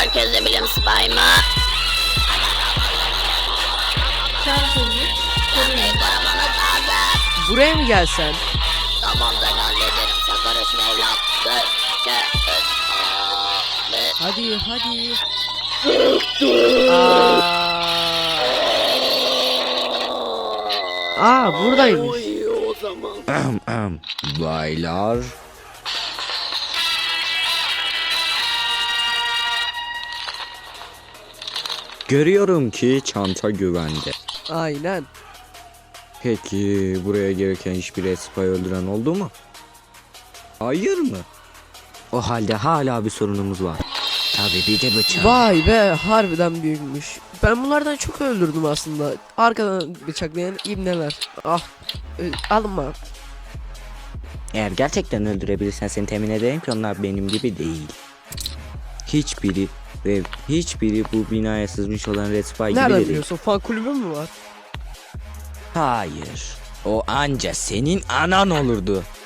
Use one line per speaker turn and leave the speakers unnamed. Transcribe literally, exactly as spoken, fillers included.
Herkese bilim spy mı? Anneyi korumanız lazım.
Buraya mı gelsen?
Tamam ben hallederim. Sen karışma evlat. Dö, dö, dö. Aa,
Hadi hadi. Aa. Aa buradaymış.
Oy, o zaman.
Ahem, ahem. Baylar. Görüyorum ki çanta güvende.
Aynen.
Peki buraya gelirken hiçbir spy öldüren oldu mu? Hayır mı? O halde hala bir sorunumuz var. Tabii bir de bıçak.
Vay be, harbiden büyükmüş. Ben bunlardan çok öldürdüm aslında. Arkadan bıçaklayan ibneler. Ah, ö- alınma.
Eğer gerçekten öldürebilirsen seni temin ederim ki onlar benim gibi değil. Hiçbiri ve hiçbiri bu binaya sızmış olan Red Spy gibi de
Nereden
değil.
biliyorsun? Fan kulübü mü var?
Hayır. O anca senin anan olurdu.